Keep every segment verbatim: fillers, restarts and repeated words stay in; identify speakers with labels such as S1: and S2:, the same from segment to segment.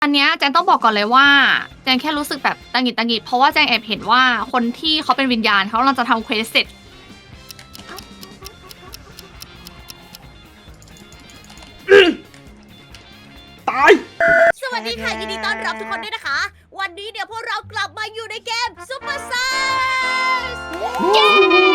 S1: อันเนี้ยแจงต้องบอกก่อนเลยว่าแจงแค่รู้สึกแบบตังหงิดตังหงิดเพราะว่าแจงแอบเห็นว่าคนที่เขาเป็นวิญญาณเขากำลังจะทำเควสเสร็จ
S2: ตาย
S3: สวัสดีค่ะยินดีต้อนรับทุกคนด้วยนะคะ วันนี้เดี๋ยวพวกเรากลับมาอยู่ในเกมซุปเปอร์ไซส์เย้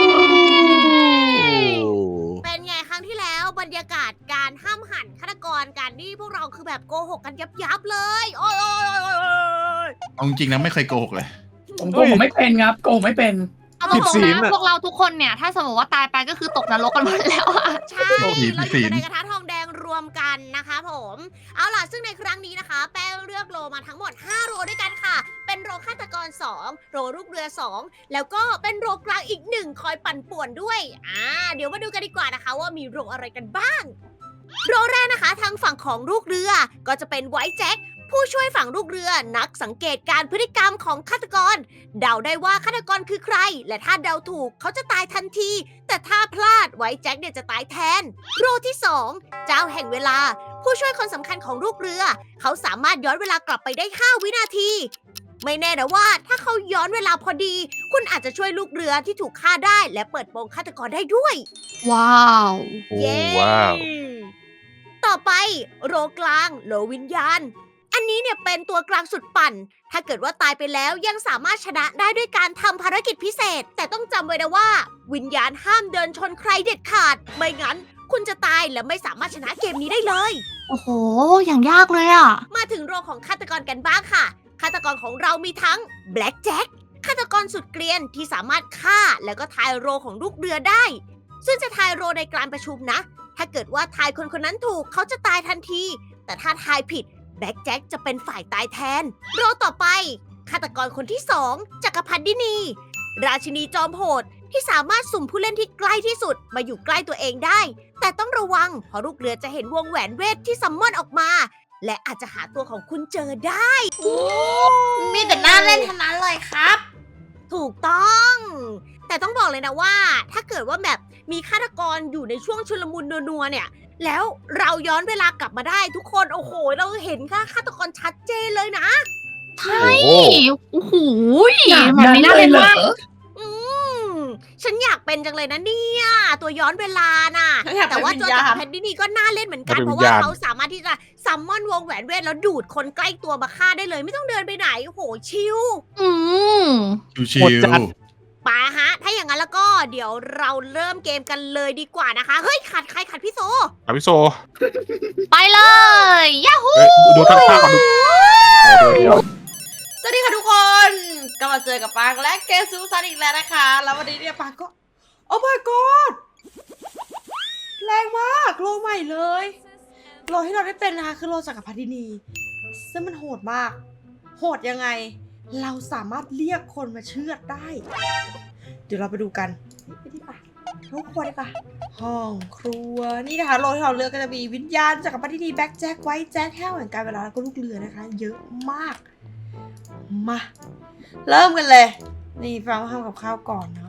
S3: เป็นไงครั้งที่แล้วบรรยากาศการห้ามหันฆาตกรการที่พวกเราคือแบบโกหกกันยับยับเลย โอ้ยโอ้ยโอ้ยโอ้ย
S4: เอาจริงๆนะไม่เคยโกหกเลย
S2: ผมโกหกไม่เป็นครับโกหกไม่เป็น
S1: เอาตรงๆนะพวกเราทุกคนเนี่ยถ้าสมมติว่าตายไปก็คือตกนรกกันหมดแล้วอะ
S3: ใช่เราอยู่ในกระทะทองแดงรวมกันนะคะผมเอาล่ะซึ่งในครั้งนี้นะคะ แป้งเลือกโรมาทั้งหมดห้าโรด้วยกันค่ะเป็นโรฆาตกรสองโรลูกเรือสองแล้วก็เป็นโรกลางอีกหนึ่งคอยปั่นป่วนด้วยอ่าเดี๋ยวมาดูกันดีกว่านะคะว่ามีโรอะไรกันบ้างโรแรกนะคะทางฝั่งของลูกเรือก็จะเป็นไวท์แจ็คผู้ช่วยฝั่งลูกเรือนักสังเกตการพฤติกรรมของฆาตกรเดาได้ว่าฆาตกรคือใครและถ้าเดาถูกเขาจะตายทันทีแต่ถ้าพลาดไวท์แจ็คเนี่ยจะตายแทนโรที่สองเจ้าแห่งเวลาผู้ช่วยคนสำคัญของลูกเรือเขาสามารถย้อนเวลากลับไปได้ห้าวินาทีไม่แน่นะว่าถ้าเขาย้อนเวลาพอดีคุณอาจจะช่วยลูกเรือที่ถูกฆ่าได้และเปิดโปงฆาตกรได้ด้วย
S1: ว้าว
S3: เย้
S5: ว้าว
S3: ต่อไปโรกลางโลวิญญาณ อันนี้เนี่ยเป็นตัวกลางสุดปั่น ถ้าเกิดว่าตายไปแล้วยังสามารถชนะได้ด้วยการทำภารกิจพิเศษ แต่ต้องจำไว้นะว่า วิญญาณห้ามเดินชนใครเด็ดขาด ไม่งั้น คุณจะตายและไม่สามารถชนะเกมนี้ได้เลย
S1: โอ้โหอย่างยากเลยอะ
S3: มาถึงโรของฆาตกรกันบ้างค่ะ ฆาตกรของเรามีทั้งแบล็กแจ็คฆาตกรสุดเกรียนที่สามารถฆ่าแล้วก็ทายโรของลูกเรือได้ ซึ่งจะทายโรในการประชุมนะ ถ้าเกิดว่าทายคนคนนั้นถูกเขาจะตายทันที แต่ถ้าทายผิดแบล็กแจ็คจะเป็นฝ่ายตายแทน โรต่อไปฆาตกรคนที่สองจักรพรรดินี ราชินีจอมโหดที่สามารถสุ่มผู้เล่นที่ใกล้ที่สุดมาอยู่ใกล้ตัวเองได้ แต่ต้องระวังเพราะลูกเรือจะเห็นวงแหวนเวทที่ซัมมอนออกมา และอาจจะหาตัวของคุณเจอได้
S6: มีแต่น่าเล่นทั้งนั้นเลยครับ
S3: ถูกต้อง แต่ต้องบอกเลยนะว่า ถ้าเกิดว่าแบบมีฆาตกรอยู่ในช่วงชุลมุนนัวๆเนี่ย แล้วเราย้อนเวลากลับมาได้ทุกคนโอ้โหเราเห็นค่าฆาตกรชัดเจนเลยนะ
S1: ใช่
S5: โอ้โห
S1: โอ้โหแบบนี้น่าเล่นมาก
S3: อืมฉันอยากเป็นจังเลยนะเนี่ยตัวย้อนเวลาน่ะ
S6: ฉันอยากเป็น
S3: แต่ว่า
S6: วิ
S3: ตัว
S6: ญญาณ
S3: จักรพรรดินีก็น่าเล่นเหมือนกัน
S5: อยากเป็น
S3: เพราะว่า
S5: วิญญาณ
S3: เขาสามารถที่จะซัมมอนวงแหวนเวทแล้วดูดคนใกล้ตัวมาฆ่าได้เลย ไม่ต้องเดินไปไหนโอ้โหชิล
S1: อืม
S4: ชิ
S5: โห
S4: ว
S5: ดจัด
S3: ไปฮะ ถ้าอย่างนั้นแล้วก็เดี๋ยวเราเริ่มเกมกันเลยดีกว่านะคะ เฮ้ยขัดใครขัดพี่โซ
S5: อาวิโซ
S1: ไปเลยยาฮู
S5: เอ้ยดูทั้งภาพก่อนดูเดี๋ยวเดี๋ยว
S6: สวัสดีค่ะทุกคนกลับมาเจอกับปางและเกมซูซันอีกแล้วนะคะ แล้ววันนี้เนี่ยปางก็ โอ้ my god แรงมากโลใหม่เลยโลที่เราได้เป็นนะคะคือโลจักรพรรดินี ซึ่งมันโหดมาก โหดยังไง เราสามารถเรียกคนมาเชือดได้ เดี๋ยวเราไปดูกันไปที่ป่ะห้องครัวดีกว่าห้องครัวนี่นะคะโลที่เราเลือกก็จะมีวิญญาณจักรพรรดินีแบ็คแจ็คไวท์แจ็คแห้วแห่งการเวลาแล้วก็ลูกเรือนะคะ เยอะมาก มา เริ่มกันเลย นี่ฟังว่าทำกับข้าวก่อนเนาะ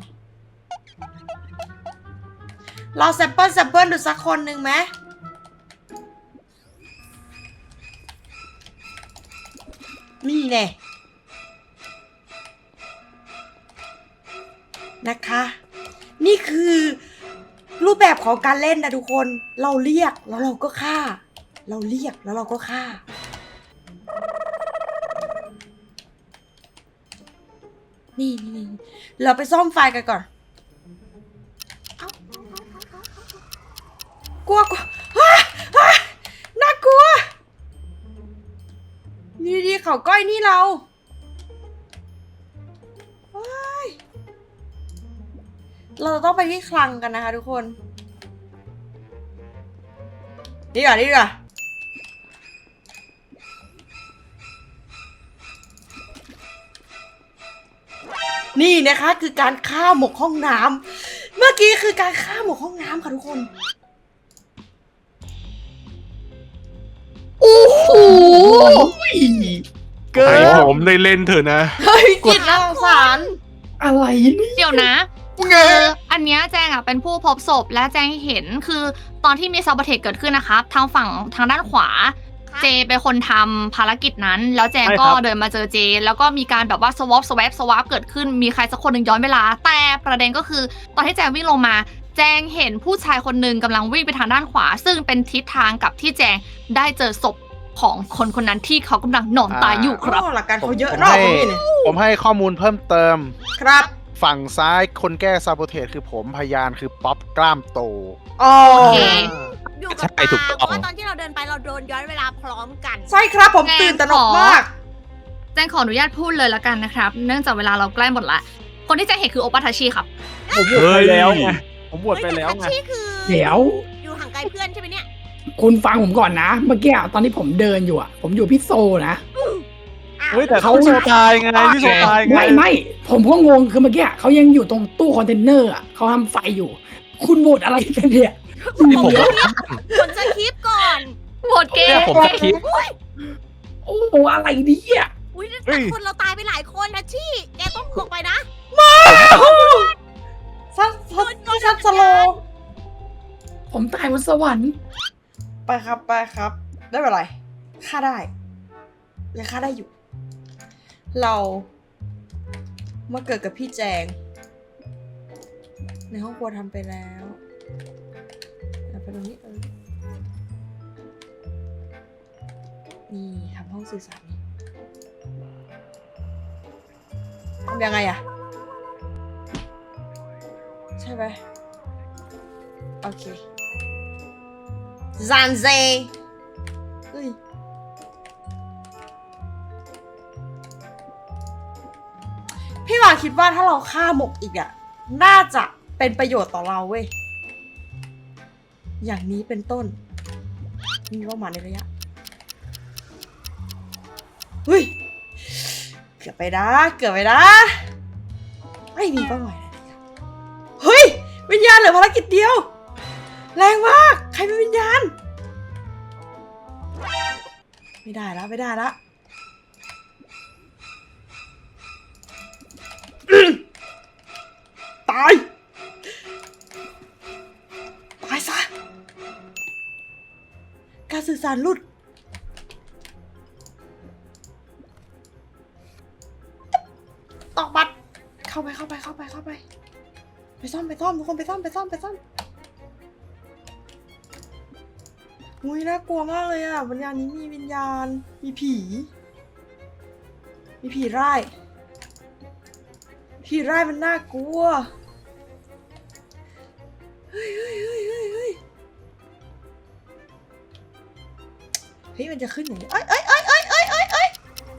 S6: เราแซมเปิลแซมเปิลดูสักคนหนึ่งไหมนี่แน่นะคะ นี่คือรูปแบบของการเล่นนะทุกคนเราเรียกแล้วเราก็ฆ่า เราเรียกแล้วเราก็ฆ่า นี่นี่เราไปซ่อมไฟกันก่อน เอากลัวกลัวฮ่าฮ่าน่ากลัวนี่ดีเขาก้อยนี่เราว้ายเราจะต้องไปที่คลังกันนะคะทุกคน นี่ก่อนนี่ก่อนนี่นะคะคือการฆ่าหมกห้องน้ำเมื่อกี้คือการฆ่าหมกห้องน้ำค่ะทุกคน
S1: โอ้โห
S5: เกินให้ผมได้เล่นเถอะนะ
S6: เฮ้ยจิตน่าสงสาร
S2: อะไรนี่
S1: เดี๋ยวนะคืออันเนี้ยแจงอ่ะเป็นผู้พบศพและแจงเห็นคือตอนที่มีซาบเทคเกิดขึ้นนะครับทางฝั่งทางด้านขวาเจเป็นคนทำภารกิจนั้น แล้วแจง
S5: ใช่
S1: ก็
S5: ครับ
S1: เดินมาเจอเจ แล้วก็มีการแบบว่าสวอปสวปสวอปเกิดขึ้นมีใครสักคนหนึ่งย้อนเวลา แต่ประเด็นก็คือตอนที่แจงวิ่งลงมา แจงเห็นผู้ชายคนหนึ่งกำลังวิ่งไปทางด้านขวา ซึ่งเป็นทิศทางกับที่แจงได้เจอศพของคนคนนั้นที่เขากำลังนอนตายอยู่ครับ
S6: โอ้หลักการเขาเยอะ
S4: ผม
S6: เนอก
S4: ให้
S6: พี่เนี่ย
S4: ผมให้ข้อมูลเพิ่มเติม
S6: ครับ
S4: ฝั่งซ้ายคนแก้ซาโบเทสคือผมพยานคือป๊อปกล้ามโต
S6: อ๋อ
S1: โอเค
S3: อยู่กับ
S5: ใช่
S3: ปาง
S5: ถูก
S3: เพ
S5: ต้อง
S3: ราะว่าตอนที่เราเดินไปเราโดนย้อนเวลาพร้อมกัน
S6: ใช่ครับผมตื่นตระหนกมาก
S1: แจงขออนุญาตพูดเลยละกันนะครับ เนื่องจากเวลาเราใกล้หมดละ คนที่แจงเห็นคือโอปาทาชิครับ
S4: ผมบวชไปแล้วไง ผมบวช
S3: เฮ้ย
S4: ไป
S3: แต่
S4: แล้ว
S3: ทัช
S4: ไง
S3: ชี่คือ
S2: เดี๋ยว
S3: อยู่ห่างไกลเพื่อนใช่ไหมเนี่ย
S2: คุณฟังผมก่อนนะ เมื่อกี้ตอนที่ผมเดินอยู่อะผมอยู่พี่โซนะ
S3: อ้าว
S4: เฮ้ยแต่เขาโซตายไงพี่โซตายไง
S2: ไม่ไม่ผมก็งงคือเมื่อกี้เขายังอยู่ตรงตู้คอนเทนเนอร์อะเขาทำไฟอยู่ คุณโหวตอะไรกันเนี่ย
S5: ที่ผม
S3: ผลสคริปต์ก่อน
S1: โหวตเก
S5: เนี่ย
S1: ม
S5: ผมสคริปต์
S2: โอ้โหอะไรเนี่ย
S3: อุ้ยแต่คนเราตายไปหลายคนนะชี่แกต้องออกไปนะ
S6: ซัดซัดซัดสโลว์
S2: ผมตายบนสวรรค์
S6: ไปครับไปครับ ได้เป็นไรฆ่าได้ยังฆ่าได้อยู่ เรามาเกิดกับพี่แจง ในห้องครัวทำไปแล้วเอาไปตรงนี้เออนี่ทำห้องสื่อสารนี่ทำยังไงอะใช่ไหมโอเคซานเซเฮ้ยพี่หวานคิดว่าถ้าเราฆ่าหมกอีกอะน่าจะเป็นประโยชน์ต่อเราเว้ย อย่างนี้เป็นต้น มีเป้าหมายในระยะ เฮ้ย เกือบไปนะ เกือบไปนะ ไม่มีเป้าหมายในระยะ เฮ้ย วิญญาณเหลือภารกิจเดียว แรงมาก ใครเป็นวิญญาณ ไม่ได้แล้ว ไม่ได้แล้ว ตาย ตายซะ การสื่อสารหลุด ตอกบัตรเข้าไปเข้าไปเข้าไปเข้าไป ไปซ่อมไปซ่อมทุกคนไปซ่อมไปซ่อมไปซ่อมอุ้ยน่ากลัวมากเลยอ่ะวิญญาณนี้มีวิญญาณ มีผี มีผีร้าย ผีร้ายมันน่ากลัว เฮ้ยเฮ้ยเฮ้ยเฮ้ยเฮ้ยเฮ้ยมันจะขึ้นอย่างนี้เอ้ยเอ้ยเอ้ยเอ้ยเอ้ยเอ้ยเอ้ย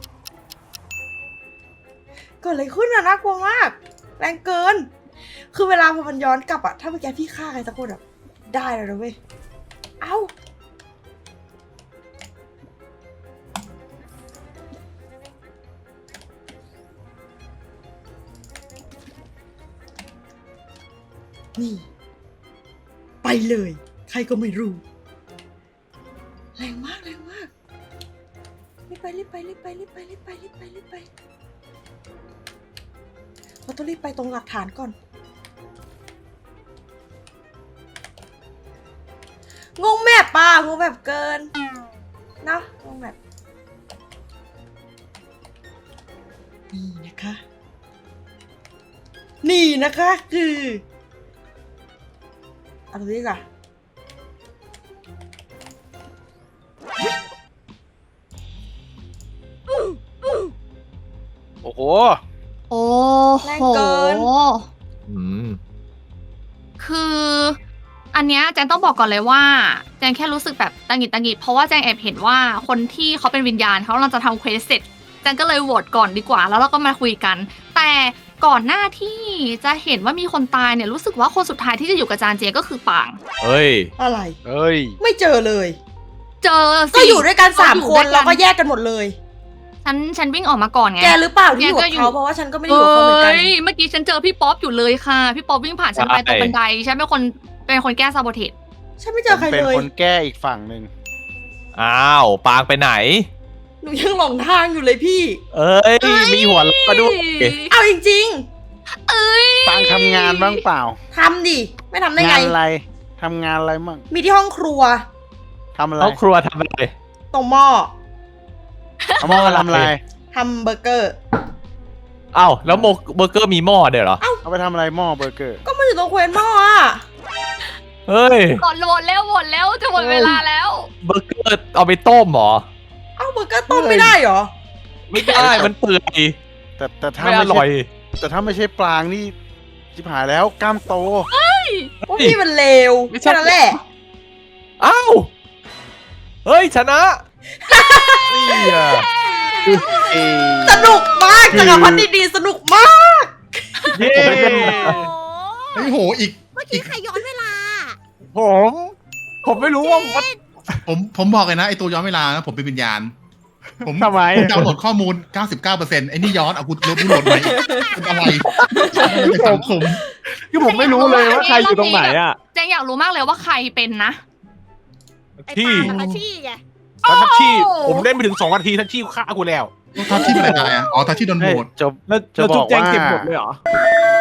S6: เกิดอะไรขึ้นอะน่ากลัวมาก แรงเกิน คือเวลาพอมันย้อนกลับอะถ้าเมื่อกี้พี่ฆ่าใครสักคนอะได้แล้วนะเว้ย เอ้า นี่ ไปเลย ใครก็ไม่รู้ แรงมาก แรงมาก รีบไป รีบไป รีบไป รีบไป รีบไป รีบไป รีบไป เราต้องรีบไปตรงหลักฐานก่อน งงแมปป่ะงงแบบเกินเนาะงงแบบนี่นะคะ นี่นะคะคือเอาตรงนี้ก่อน
S4: โอ้โห
S1: โอ้
S6: แรง
S1: โห
S6: เกิน
S5: อืม
S1: คืออันเนี้ยแจงต้องบอกก่อนเลยว่าแจงแค่รู้สึกแบบตังหงิดตังหงิดเพราะว่าแจงแอบเห็นว่าคนที่เขาเป็นวิญญาณเขากำลังจะทำเควสเสร็จแจงก็เลยโหวตก่อนดีกว่าแล้วเราก็มาคุยกัน แต่ก่อนหน้าที่จะเห็นว่ามีคนตายเนี่ยรู้สึกว่าคนสุดท้ายที่จะอยู่กับจานเจก็คือปาง
S5: เฮ้ย
S6: อะไร
S4: เอ้ย
S6: ไม่เจอเลย
S1: เจอสิ
S6: ก็อยู่ด้วยกันสาม
S1: อยู่
S6: ค
S1: ด้วน ย
S6: แล้วก็แยกกันหมดเลย
S1: ฉันฉันวิ่งออกมาก่อนไง
S6: แกหรือเปล่าที่อยู่
S1: แกก็
S6: กับ
S1: อยู่
S6: เขาเพราะว่าฉันก็ไม่ได้อยู่กับเขาเหมือนกัน
S1: เอ้ยเมื่อกี้ฉันเจอพี่ป๊อปอยู่เลยค่ะพี่ป๊อปวิ่งผ่านฉันไป
S5: ใช่
S1: ตรงบันไดฉันเป็นคนเป็นคนแก้ซาโบเทส
S6: ฉันไม่เจอใคร
S4: เป็น
S6: เลย
S4: คนแก้อีกฝั่งหนึ่ง
S5: อ้าวปางไปไหน
S6: หนูยังหลงทางอยู่เลยพี่
S5: เอ้ย มีหัวเราะด้วย
S6: เอาจริง
S1: เอ้ย
S4: ปางทำงานบ้างเปล่า
S6: ๆทำดิ ไม่ทำได้ไง
S4: งานอะไรทำงานอะไรมั่ง
S6: มีที่ห้องครัว
S4: ทำอะไร
S5: เอาครัวทำอะไร
S6: ตรงหม้อ
S4: เอาหม้อมาทำอะไร
S6: ทำเบอร์เกอร์
S5: อ้าวแล้วโมเบอร์เกอร์มีหม้อเดี๋ยวเหรอ
S4: เอาไปทำอะไรหม้อเบอร์เกอร์
S6: ก็มันอยู่ตรงเควนหม้ออ่ะ
S5: เฮ้ย
S1: กดโหวตแล้วโหวตแล้วจะหมดเวลาแล้ว
S5: เบอร์เกอร์เอาไปต้มเหรอ
S6: เอ้าเบอร์เกอร์ต้มไม่ได้เหรอ
S5: ไม่ได้มันเปื่อย
S4: แต่แต่ถ้า
S5: ไม่อ
S4: ไม่
S5: ร่อ
S4: ใช่
S5: ย
S4: แต่ถ้าไม่ใช่ปลางนี่ชิบหายแล้วกล้ามโต
S6: ว่าพี่มันเลว
S5: ไม่ใช่
S6: แค่นั้นแหละ
S5: อ้าวเฮ้ยชนะนี่อะ
S4: เอ้ย
S6: สนุกมากจักรพรรดิดีๆสนุกมาก
S5: เย้
S3: โอ้โห
S7: เฮ้ยโหอีก
S3: เมื่อกี้ใครย้อนเวลา
S5: ผม ผมไม่รู้ว่ามัน
S7: ผมผมบอกเลยนะไอตัวย้อนเวลานะผมเป็นวิญญาณ ผม
S4: ทำไม
S7: ผมดาวน์โหลดข้อมูล เก้าสิบเก้าเปอร์เซ็นต์ ไอ้นี่ย้อนเอากูลบกูโหลดไหมเป็นอะไรในสังคม
S5: คือผมไม่รู้เลยว่าใครอยู่ตรงไหนอ่ะ
S1: แจงอยากรู้มากเลยว่าใครเป็นนะ
S3: ไอ้
S8: ที่
S3: ปากับอาชีไง
S8: ทัชชี่
S1: โอ้
S8: ผมเล่นไปถึงสองนาทีทัชชี่ฆ่ากูแล้ว
S7: ทัชชี่เป็นอะไรตายอ่ะอ๋อทัชชี่โดนโหวต
S4: จะ
S5: แล้ว
S4: จะ
S5: แล้ว
S4: บ
S5: จุ๊
S4: อบ ก
S5: แจง
S4: ว่า
S5: เก็บหมดเลยเหรอ